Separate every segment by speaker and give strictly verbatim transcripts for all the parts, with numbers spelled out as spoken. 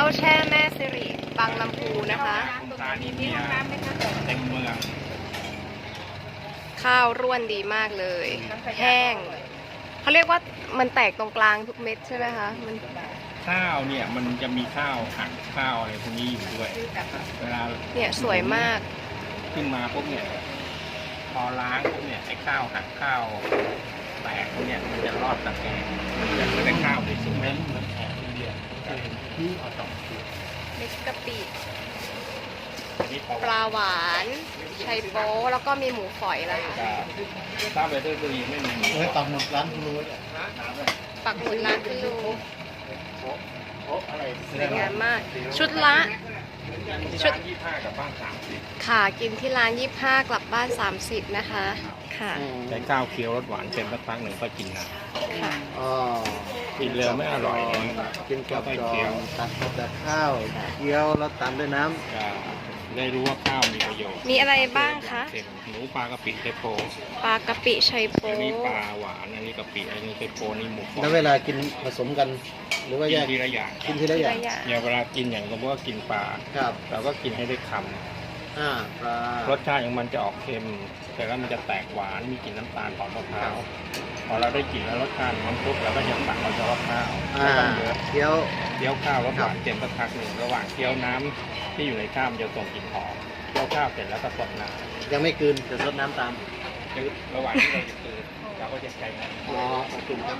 Speaker 1: แช่แม่สิริบางลำพูนะคะ
Speaker 2: เต็มเมือง
Speaker 1: ข้าวร่วนดีมากเลย แห้งเขาเรียกว่ามันแตกตรงกลางทุกเม็ดใช่ไหมคะมัน
Speaker 2: ข้าวเนี่ยมันจะมีข้าวหักข้าวอะไรพวกนี้อยู่ด้วยเวลา
Speaker 1: เนี่ยสวยมาก
Speaker 2: ขึ้นมาปุ๊บเนี่ยพอล้างปุ๊บเนี่ยไอ้ข้าวหักข้าวแตกพวกเนี่ยมันจะรอดตะแกรงมันจะไม่ได้ข้าวไปสุกนั้นเหมือนแขกอินเดียที่เอาสองตัว
Speaker 1: เม็ดกะปิ
Speaker 2: นี่
Speaker 1: ปลาหวานไชโป๊แล้วก็มีหมูฝอยนะคะ
Speaker 2: ถ้าไปเที่ยวบุรีไม่มี
Speaker 3: เฮ้ยปักหมุดร้านคุณรู้เนี่ย
Speaker 1: ปักหมุดร้านคุณลุง
Speaker 2: โอ๊ะอะไร
Speaker 1: สวยงามมาก ชุดละ
Speaker 2: ชุดยี่ห้ากับบ้านสามสิบ
Speaker 1: ค่ะกินที่ร้านยี่ห้ากลับบ้านสามสิบนะคะค่ะ
Speaker 2: ใช้ข้าวเคี้ยวรสหวานเค็มสักพักหนึ่งก็กินนะ
Speaker 1: ค่ะ
Speaker 3: อ๋อ
Speaker 2: กินเร็วไม่อร่อยนะ
Speaker 3: กินกับ
Speaker 2: ค่อย
Speaker 3: จ
Speaker 2: ๆ
Speaker 3: อ
Speaker 2: เคี้ยว
Speaker 3: มตัดกับแต่ข้าวเคี้ยวแล้วตามด้วยน้
Speaker 2: จะได้รู้ว่าข้าวมีประโยชน์
Speaker 1: มีอะไรบ้างคะ
Speaker 2: เค็มหมูปลากะปิเทโพ
Speaker 1: ปลากะปิไชโป๊
Speaker 2: อันนี้ปลาหวานอันนี้กะปิอันนี้เทโพนี่หมูฝอ
Speaker 3: ำ
Speaker 2: ย
Speaker 3: แล้วเวลากินผสมกัน หรือว่า
Speaker 2: กิ
Speaker 3: แย
Speaker 2: น
Speaker 3: ก
Speaker 2: ทีละอย่าง
Speaker 3: กินทีละอย่าง
Speaker 1: อย่าง
Speaker 2: อย่าเวลากินอย่างสมมติว่ากินปลา
Speaker 3: ครับ
Speaker 2: เราก็กินให้ได้ค
Speaker 3: อ่าปลาร
Speaker 2: สชาติของมันจะออกเค็ม แต่แล้วมันจะแตกหวานมีกลิ่นน้ำตาลหอมมะพร้าวพอเราได้กลิ่นแล้วรสชาติมันปุ๊บเราก็จะตักเอาเฉพาะข้าว
Speaker 3: อ่า
Speaker 2: ไม่ต้องเยอะ
Speaker 3: เคี้ยว
Speaker 2: เคี้ยวข้าวรสหวานเค็มสักพักหนึ่งระหว่างเคี้ยวน้ำที่อยู่ในข้าวมันจะส่งกลิ่นหอมเคี้ยวข้าวเสร็จแล้วก็สดน้ำ
Speaker 3: ยังไม่กลืนจะซดน้ำตาม
Speaker 2: คือระหว่างที่เราจะตื่นเราก็จะใช้น้ำ
Speaker 3: อ๋อขอบคุณครับ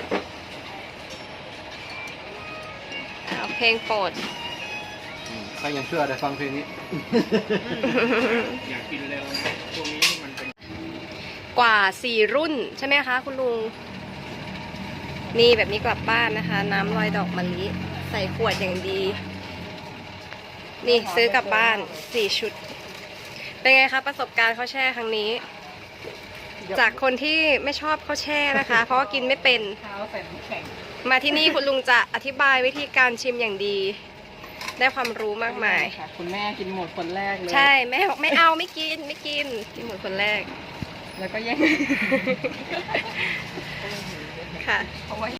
Speaker 1: เอาเพลงโปรด
Speaker 3: อืมใครยังเชื่อได้ฟังเพลงนี้
Speaker 2: อยากกินเร็วนะช่วงนี้มันเป็น
Speaker 1: กว่าสี่รุ่นใช่ไหมคะคุณลุง นี่แบบนี้กลับบ้านนะคะ น้ำลอยดอกมะลิใส่ขวดอย่างดี นี่ซื้อกลับบ้านสี่ชุด เป็นไงคะประสบการณ์ข้าวแช่ครั้งนี้ จากคนที่ไม่ชอบข้าวแช่นะคะ เพราะว่ากินไม่เป็น
Speaker 4: เท้าใส่น้ำแข็ง
Speaker 1: มาที่นี่คุณลุงจะอธิบายวิธีการชิมอย่างดี ได้ความรู้มากมาย
Speaker 4: ค่ะ คุณแม่กินหมดคนแรกเลย
Speaker 1: ใช่แม่บอกไม่เอาไม่กินไม่กินกินหมดคนแรก
Speaker 4: แล้วก็แย่ง
Speaker 1: ค่ะ
Speaker 4: เพราะว่า